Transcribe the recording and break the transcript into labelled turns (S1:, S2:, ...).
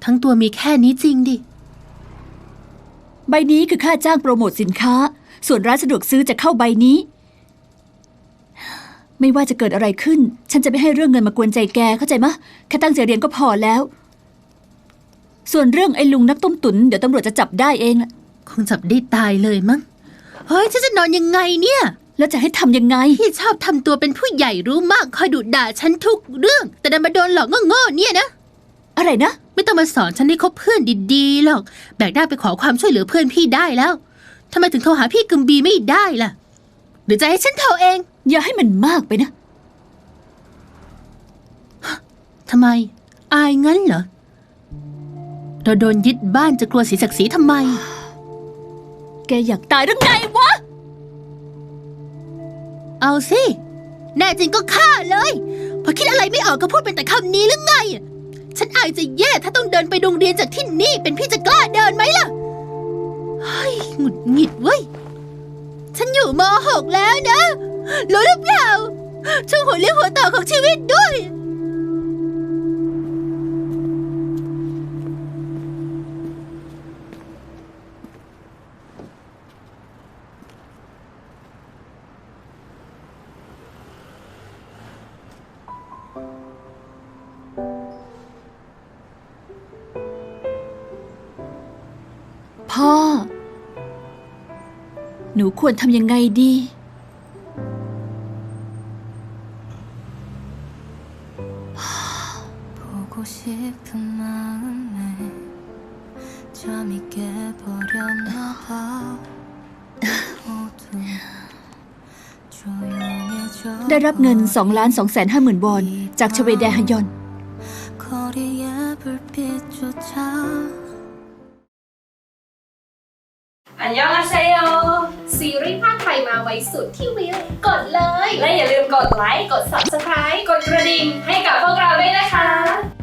S1: ทั้งตัวมีแค่นี้จริงดิ
S2: ใบนี้คือค่าจ้างโปรโมทสินค้าส่วนร้านสะดวกซื้อจะเข้าใบนี้ไม่ว่าจะเกิดอะไรขึ้นฉันจะไม่ให้เรื่องเงินมากวนใจแกเข้าใจมะแค่ตั้งใจเรียนก็พอแล้วส่วนเรื่องไอ้ลุงนักต้มตุ๋นเดี๋ยวตำรวจจะจับได้เองล่ะ
S1: คงจับได้ตายเลยมั้งเฮ้ยฉันจะนอนยังไงเนี่ย
S2: แล้วจะให้ทำยังไง
S1: พี่ชอบทำตัวเป็นผู้ใหญ่รู้มากคอยดุด่าฉันทุกเรื่องแต่ดันมาโดนหลอกโง่ๆเนี่ยนะ
S2: อะไรนะ
S1: ไม่ต้องมาสอนฉันให้คบเพื่อนดีๆหรอกแบกได้ไปขอความช่วยเหลือเพื่อนพี่ได้แล้วทำไมถึงโทรหาพี่กึมบีไม่ได้ล่ะหรือจะให้ฉันโทรเอง
S2: อย่าให้มันมากไปนะ
S1: ทำไมอายงั้นเหรอเราโดนยึดบ้านจะกลัวเสียศักดิ์ศรีทำไม
S2: แกอยากตายหรือไงวะ
S1: เอาสิแน่จริงก็ฆ่าเลยพอคิดอะไรไม่ออกก็พูดเป็นแต่คำนี้หรือไงฉันอายจะแย่ถ้าต้องเดินไปโรงเรียนจากที่นี่เป็นพี่จะกล้าเดินไหมล่ะเฮ้ยหงุดหงิดเว้ยฉันอยู่ม.6 แล้วนะรู้หรือเปล่าช่วงหัวเลี้ยวหัวต่อของชีวิตด้วย
S2: พ่อหนูควรทำยังไงดีได้รับเงิน2,250,000 วอนจากชเวแดฮยอน
S3: อันยองอาเซโยซีรีส์ภาคไทยมาไว้สุดที่วิวกดเลยและอย่าลืมกดไลค์กด Subscribe กดกระดิ่งให้กับพวกเราด้วยนะคะ